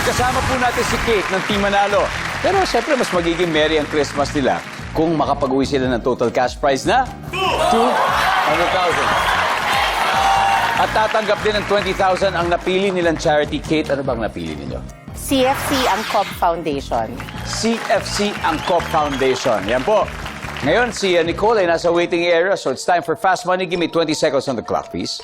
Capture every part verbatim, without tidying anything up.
kasama po natin si Kate ng Team Manalo. Pero siyempre, mas magiging merry ang Christmas nila kung makapag-uwi sila ng total cash prize na two hundred thousand. At tatanggap din ng twenty thousand ang napili nilang charity. Kate, ano bang napili ninyo? C F C ang Cobb Foundation. C F C ang Cobb Foundation. Yan po. Ngayon, si uh, Nicole ay nasa waiting area, so it's time for Fast Money. Give me twenty seconds on the clock, please.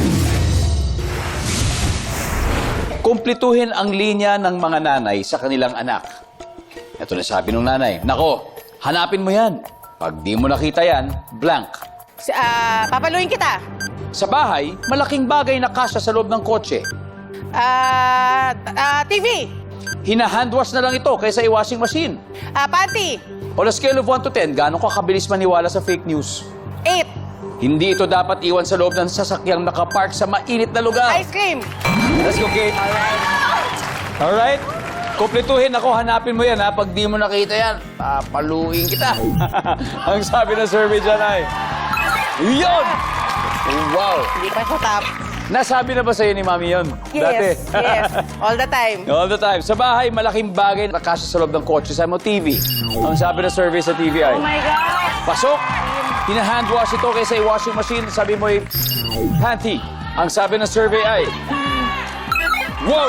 Kumplituhin ang linya ng mga nanay sa kanilang anak. Ito na sabi ng nanay, nako, hanapin mo yan. Pag di mo nakita yan, blank. Ah, papaluin kita. Sa bahay, malaking bagay na kasya sa loob ng kotse. Ah, ah, T V. Hinahandwash na lang ito kaysa i-washing machine. Ah, panty. On a scale of one to ten, gaano ka kabilis maniwala sa fake news? Eight. Hindi ito dapat iwan sa loob ng sasakyang nakapark sa mainit na lugar. Ice cream. Let's go, Kate. Alright. Alright. Kumpletuhin ako, hanapin mo yan, ha? Pag di mo nakita yan, papaluin kita. Ang sabi ng survey dyan ay, yun! Wow! Hindi pa sa top. Nasabi na ba sa'yo ni Mami yun? Dati? Yes, yes. All the time. All the time. Sa bahay, malaking bagay na kasya sa loob ng kotse. Sabi mo, T V. Ang sabi ng survey sa T V ay, Oh my God. pasok! Hinahandwash ito kaysa i-washing machine. Sabi mo, ay, panty. Ang sabi ng survey ay, wow!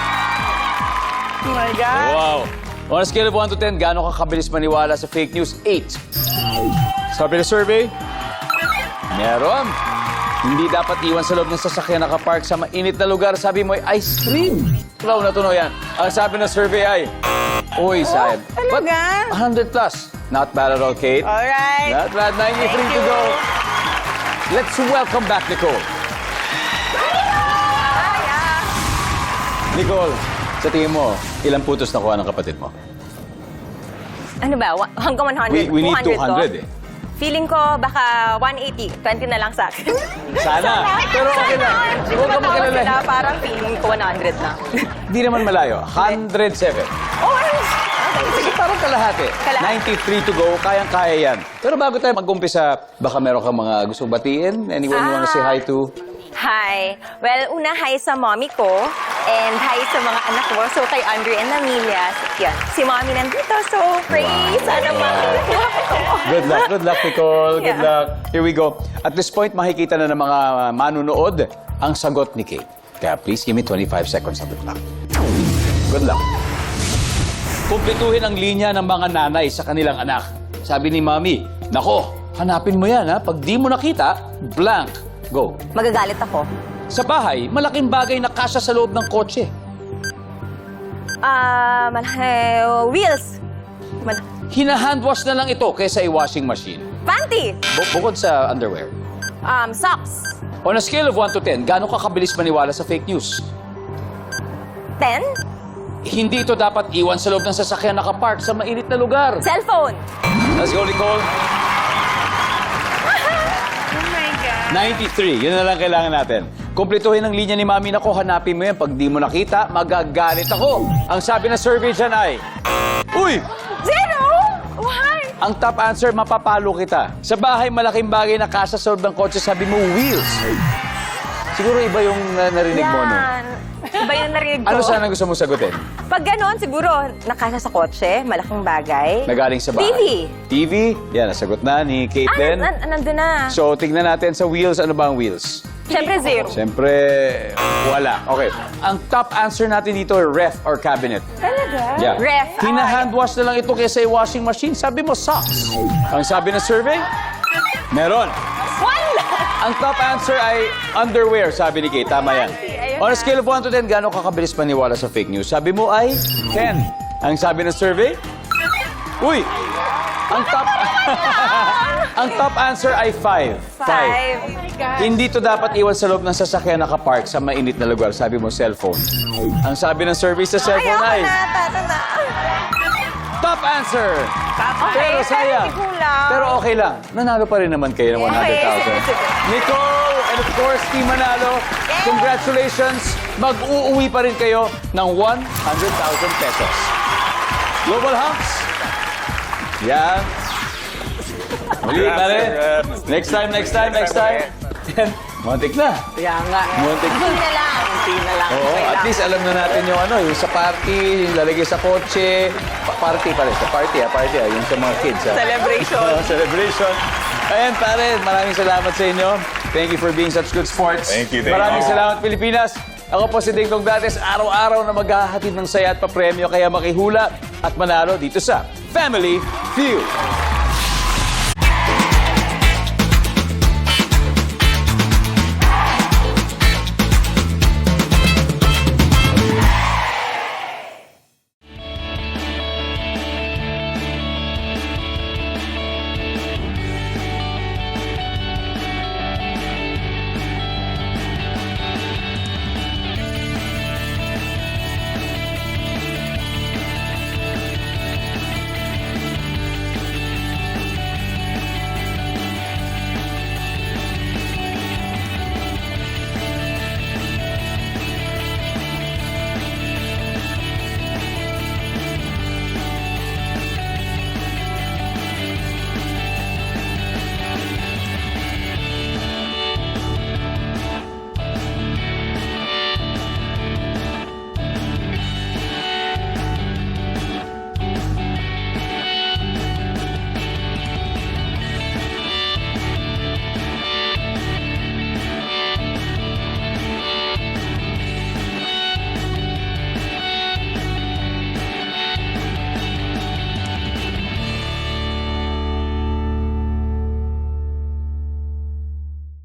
Oh my God. Wow! On a scale of one to ten, gaano ka kabilis maniwala sa fake news? eight. Sabi ng survey, meron. Hindi dapat iwan sa loob ng sasakyan nakapark sa mainit na lugar. Sabi mo ay ice cream. Flow na tuno yan. Ang sabi ng survey ay, uy, sayang. talaga? But one hundred plus. Not bad at all, Kate. All right. Not bad. ninety-three Thank to you. go. Let's welcome back Nicole. Nicole, sa tingin mo, ilang putos nakuha ng kapatid mo? Ano ba? Wa- Hanggang one hundred? We, we need two hundred eh. Feeling ko baka one eighty. twenty na lang sa akin. Sana. Pero okay lang. Huwag ka Sila, magalala. parang feeling ko one hundred na. Hindi naman malayo. one hundred seven. Oh, ay! Kasi parang kalahati. Kalahati. ninety-three to go. Kayang-kaya yan. Pero bago tayo mag-umpisa, baka meron kang mga gusto batiin? Anyone you wanna say hi to? Hi. Well, una, hi sa mommy ko. And hi sa mga anak ko. So, kay Andre and Amelia. Yan. Si mommy nandito. So, pray. Sana makuha ko. Good luck. Good luck, Nicole. Good Yeah. luck. Here we go. At this point, makikita na ng mga manunood ang sagot ni Kate. Kaya please, give me twenty-five seconds on the clock. Good luck. Kumpletuhin ang linya ng mga nanay sa kanilang anak. Sabi ni Mami, nako, hanapin mo yan, ha? Pag di mo nakita, blank. Go. Magagalit ako. Sa bahay, malaking bagay na kasya sa loob ng kotse. Ah, malaki. Wheels. Mal- Hinahandwash na lang ito kaysa i-washing machine. Panty. Bu- bukod sa underwear. Um, socks. On a scale of one to ten, gaano ka kabilis maniwala sa fake news? ten. Hindi ito dapat iwan sa loob ng sasakyan nakapark sa mainit na lugar. Cellphone. Let's go, Nicole. Oh my God. ninety-three. Yun na lang kailangan natin. Kumpletuhin ang linya ni Mami. Nako, hanapin mo yan. Pag di mo nakita, magagalit ako. Ang sabi ng survey dyan ay, uy! Zero? Why? Ang top answer, mapapalo kita. Sa bahay, malaking bagay na kasya sa loob ng kotse. Sabi mo, wheels. Siguro iba yung uh, narinig mo, no? Yan. Iba yung narinig ko. Ano sana gusto mo sagutin? Pag ganon, siguro, nakasya sa kotse, malaking bagay. Nagaling sa bahay. T V. T V? Yan, nasagot na ni Kate Ah, din. nan, nan, nandun na. So, tignan natin sa wheels. Ano ba ang wheels? Siyempre, zero. Siyempre, wala. Okay. Ang top answer natin dito, ref or cabinet. Talaga? Yeah. Ref. Hinahandwash na lang ito kaysa yung washing machine. Sabi mo, socks. Ang sabi ng survey, meron. One! Ang top answer ay underwear, sabi ni Kate. Tama yan. Ayun On a na. scale of one to ten, gano'ng kakabilis maniwala sa fake news? Sabi mo ay ten. Ang sabi ng survey, uy! Ang top... ang top answer ay five. Five. Oh my God. Hindi to dapat iwan sa loob ng sasakyan nakapark sa mainit na lugar. Sabi mo, cellphone. Ang sabi ng survey sa cellphone Ayoko ay... na, tata na. Top answer! Okay, Pero sayang. hindi kulang. Pero okay lang. Nanalo pa rin naman kayo ng one hundred thousand. Okay, sige, sige. Nicole, and of course, Team Manalo, congratulations. Mag-uuwi pa rin kayo ng one hundred thousand pesos. Global Hunks. Yan. Muli, pare. Next time, next time, next time. Muntik na. Kaya nga. Muntik na. Hindi na lang. konti na lang. Oo, Okay at lang. least alam na natin yung ano, yung sa party, yung lalagay sa kotse. Pa- party pala, sa party ha, party ha, yung sa mga kids ha. Celebration. Oo, celebration. Ayan, pare, maraming salamat sa inyo. Thank you for being such good sports. Thank you, thank Maraming you. salamat, Pilipinas. Ako po si Ding Dong Dantes, araw-araw na maghahatid ng saya at papremyo, kaya makihula at manalo dito sa Family Feud.